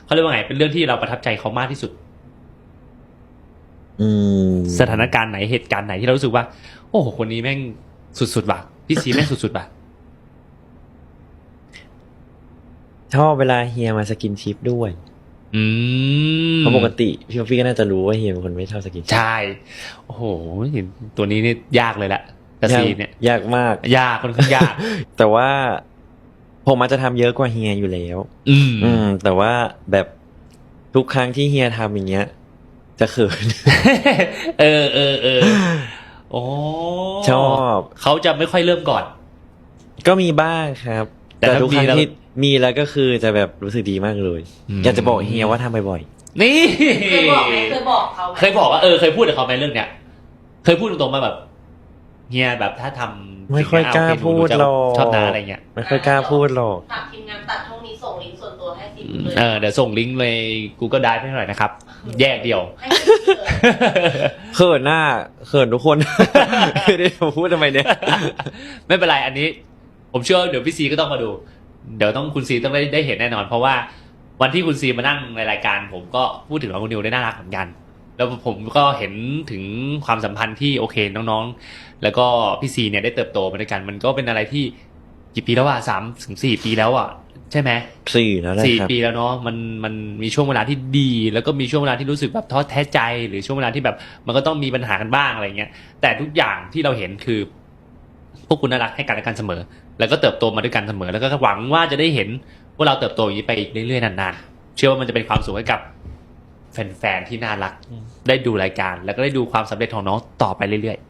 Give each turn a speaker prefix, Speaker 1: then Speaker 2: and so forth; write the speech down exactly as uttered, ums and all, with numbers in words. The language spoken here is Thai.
Speaker 1: เขาเรียกว่าไงเป็นเรื่องที่เราประทับใจเขามากที่สุด
Speaker 2: อืม
Speaker 1: สถานการณ์ไหนเหตุการณ์ไหนที่เรารู้สึกว่าโอ้โหคนนี้แม่งสุดๆว่ะพี่ซีแม่งสุดๆว่ะ
Speaker 2: ชอบเวลาเฮียมาสกินชิปด้วย
Speaker 1: อืม
Speaker 2: เพราะปกติพี่พี่ก็น่าจะรู้ว่าเฮียเป็นคนไม่ชอบสกินชิป
Speaker 1: ใช่โอ้โหตัวนี้นี่ยากเลยแหละแต่ซีเนี่ย
Speaker 2: ยากมาก
Speaker 1: ยากค่อนข้างยาก
Speaker 2: แต่ว่าผมอาจจะทำเยอะกว่าเฮียอยู่แล้ว
Speaker 1: อืม
Speaker 2: อืม แต่ว่าแบบทุกครั้งที่เฮียทำอย่างเงี้ย จะเขิน
Speaker 1: เออเออเออโอ้
Speaker 2: ชอบ
Speaker 1: เขาจะไม่ค่อยเริ่มก่อน
Speaker 2: ก็มีบ้างครับ
Speaker 1: แต่
Speaker 2: แต่
Speaker 1: ถ้า
Speaker 2: ทุกครั้ง
Speaker 1: มีแล้ว
Speaker 2: ที่มีแล้วก็คือจะแบบรู้สึกดีมากเลย
Speaker 1: อืม
Speaker 2: อยากจะบอกเฮียว่าทำบ่อย
Speaker 1: นี่
Speaker 3: เคยบอกไหมเคยบอกเขาไหม
Speaker 1: เคยบอกว่าเออเคยพูดกับเขาไหมเรื่องเนี้ยเคยพูดตรงๆมาแบบเฮียแบบถ้าทำ
Speaker 2: ๆไม่ค่อยกล้าพูดหรอก
Speaker 1: ชอบนาอะไรเงี้ย
Speaker 2: ไม่ค่อยกล้าพูดหรอก
Speaker 3: ฝากทีมงานตัดช่องนี้ส่งลิงก์ส่วนตัวให้ซีดูเลย
Speaker 1: เออเดี๋ยวส่งลิงก์เลย Google Drive ให้หน่อยนะครับ แยกเดียว
Speaker 3: ให้ซีดูเลย
Speaker 2: เขินหน้าเขินทุกคน เดี๋ยวพูดทำไมเนี่ย
Speaker 1: ไม่เป็นไรอันนี้ ผมเชื่อว่าเดี๋ยวพี่ซีก็ต้องมาดู เดี๋ยวต้องคุณซีต้องได้ได้เห็นแน่นอน เพราะว่าวันที่คุณซีมานั่งในรายการ ผมก็พูดถึงน้องคุณนิวได้น่ารักเหมือนกัน แล้วผมก็เห็นถึงความสัมพันธ์ที่โอเคน้องๆ แล้วก็พี่ซีเนี่ยได้เติบโตมาด้วยกัน มันก็เป็นอะไรที่กี่ปีแล้วอ่ะสามถึงสี่ปีแล้วอ่ะใช่ไหม
Speaker 2: สี่แล้วแหละ
Speaker 1: สี่
Speaker 2: ครับ
Speaker 1: ปีแล้วเนาะมันมันมีช่วงเวลาที่ดี แล้วก็มีช่วงเวลาที่รู้สึกแบบท้อแท้ใจ หรือช่วงเวลาที่แบบมันก็ต้องมีปัญหากันบ้างอะไรเงี้ยแต่ทุกอย่างที่เราเห็นคือ พวกคุณน่ารักให้กันและกันเสมอ แล้วก็เติบโตมาด้วยกันเสมอ แล้วก็หวังว่าจะได้เห็นว่าเราเติบโตอย่างนี้ไปอีกเรื่อยๆนานๆเชื่อว่ามันจะเป็นความสุขให้กับแฟนๆที่น่ารักได้ดูรายการ แล้วก็ได้ดูความสำเร็จของน้องต่อไปเรื่อย